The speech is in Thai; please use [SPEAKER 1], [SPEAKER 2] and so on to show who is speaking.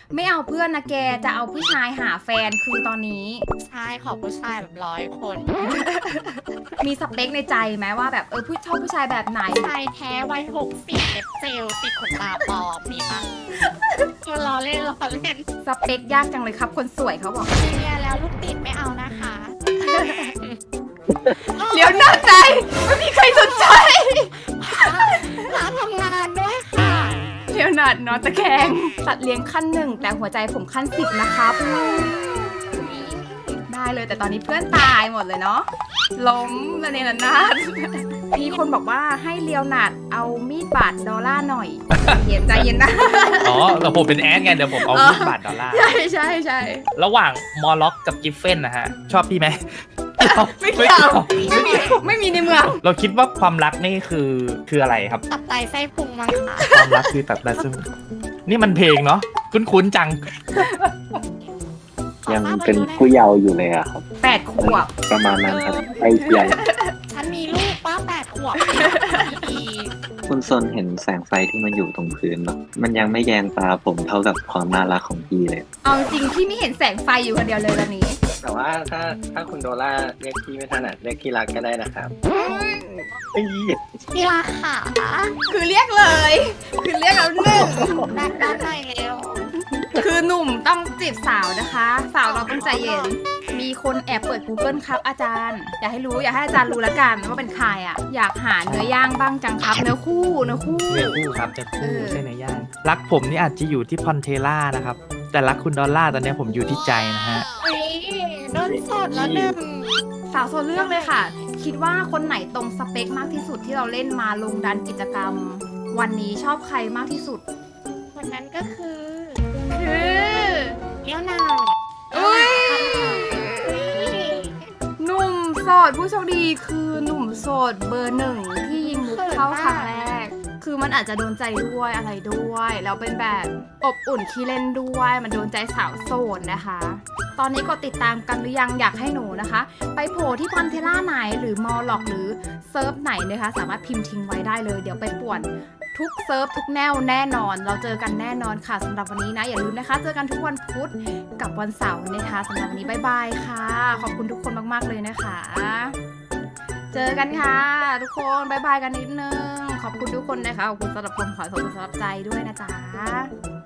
[SPEAKER 1] ไม่เอาเพื่อนนะแกจะเอาผู้ชายหาแฟนคือตอนนี้
[SPEAKER 2] ใช่ขอผู้ชายแบบ100 คน
[SPEAKER 1] มีสเปคในใจไหมว่าแบบผู้ชอบผู้ชายแบบไหน
[SPEAKER 2] ชายแท้วัย60เล็บเจลติดขนตาปลอมมีปะล้อเล่นล้อเล่น
[SPEAKER 1] สเปคยากจังเลยครับคนสวยเขาบอก
[SPEAKER 2] เรียนแล้วลูกติดไม่เอานะคะ
[SPEAKER 1] เลี้ยวหน้าใจไม่มีใครสนใจ
[SPEAKER 2] ร้านทำงานด้วยค่ะ
[SPEAKER 1] เลี้ยวหนาดนอนตะแคงสัตว์เลี้ยงขั้น1แต่หัวใจผมขั้น10นะครับ ได้เลยแต่ตอนนี้เพื่อนตายหมดเลยเนาะล้มระเนระนาดมีคนบอกว่าให้เลียวหนาดเอามีดบาดดอลลาร์หน่อยใจเย็นนะ
[SPEAKER 3] อ๋อแต่ผมเป็นแอดไงเดี๋ยวผมเอา$20
[SPEAKER 1] ใช่ใช่ใช่
[SPEAKER 3] ระหว่างมอลล็อกกับกิฟเฟนนะฮะ ชอบพี่ไหม
[SPEAKER 1] ไม่เกี่ยวไม่มีในเมือง
[SPEAKER 3] เราคิดว่าความรักนี่คืออะไรครับ
[SPEAKER 2] ตับไตไส้พุงมั้งค่ะ
[SPEAKER 3] ความรักคือแบบซึ่งนี่มันเพลงเนาะคุ้นๆจัง
[SPEAKER 4] ยังเป็นผู้เยาว์อยู่เลยอะครับ
[SPEAKER 1] 8 ขวบ
[SPEAKER 4] ประมาณนั้นครับไอ้ใหญ่
[SPEAKER 2] ฉันมีลูกป้า8 ขวบอีก
[SPEAKER 4] คุณซนเห็นแสงไฟที่มันอยู่ตรงพื้นปะมันยังไม่แยงตาผมเท่ากับความน่ารักของพี่เลย
[SPEAKER 1] เอาจริงพี่ไม่เห็นแสงไฟอยู่คนเดียวเลยตอนนี้
[SPEAKER 5] แต่ว่าถ้าคุณโดล่าเรียกพี่ไม่ถนัดเรียกที่รักก็ได้นะครับเอ้ย
[SPEAKER 2] ที่ราคา
[SPEAKER 1] คือเรียกเลย คือเรียกแล้วหนึ่ง
[SPEAKER 2] แบกด้านในเร็ว
[SPEAKER 1] คือหนุ่มต้องจีบสาวนะคะ สาวเราต้องใจเย็น มีคนแอบเปิด Google ครับอาจารย์ อยากให้รู้อยากให้อาจารย์รู้ละกันว่าเป็นใครอ่ะ อยากหาเนื้อย่างบ้างจังครับ เนื้อคู่
[SPEAKER 3] เนื้อคู่ครับจะคู่ใช่เนื้อย่างรักผมนี่อาจจะอยู่ที่พอนเทล่านะครับ แต่รักคุณดอลล่าตอนนี้ผมอยู่ที่ใจนะฮะ
[SPEAKER 2] เฮ้ยโดนสดแล้วหนึ่ง
[SPEAKER 1] สาวโซเลือกเลยค่ะ คิดว่าคนไหนตรงสเปคมากที่สุดที่เราเล่นมาลงดันกิจกรรม วันนี้ชอบใครมากที่สุด
[SPEAKER 2] คนนั้นก็คือ
[SPEAKER 1] คือ
[SPEAKER 2] เลี้ยวหนา
[SPEAKER 1] อุ้ย หนุ่มโสดผู้โชคดีคือหนุ่มโสดเบอร์1ที่ยิงมุกเข้าครั้งแรก คือมันอาจจะโดนใจด้วยอะไรด้วยแล้วเป็นแบบอบอุ่นขี้เล่นด้วยมันโดนใจสาวโสดนะคะ ตอนนี้ก็ติดตามกันหรือยังอยากให้หนูนะคะ ไปโผล่ที่พอนเทล่าไหนหรือมอลล็อกหรือเซิร์ฟไหนนะคะสามารถพิมพ์ทิ้งไว้ได้เลยเดี๋ยวไปป่วนทุกเซิร์ฟทุกแนวแน่นอนเราเจอกันแน่นอนค่ะสำหรับวันนี้นะอย่าลืมนะคะ เจอกันทุกวันพุธกับวันเสาร์นะคะสำหรับวันนี้บ๊ายบายค่ะขอบคุณทุกคนมากๆเลยนะคะ เจอกันค่ะทุกคนบ๊ายบายกันนิดนึงขอบคุณทุกคนนะคะขอบคุณสำหรับความขอบคุณสำหรับใจด้วยนะจ๊ะ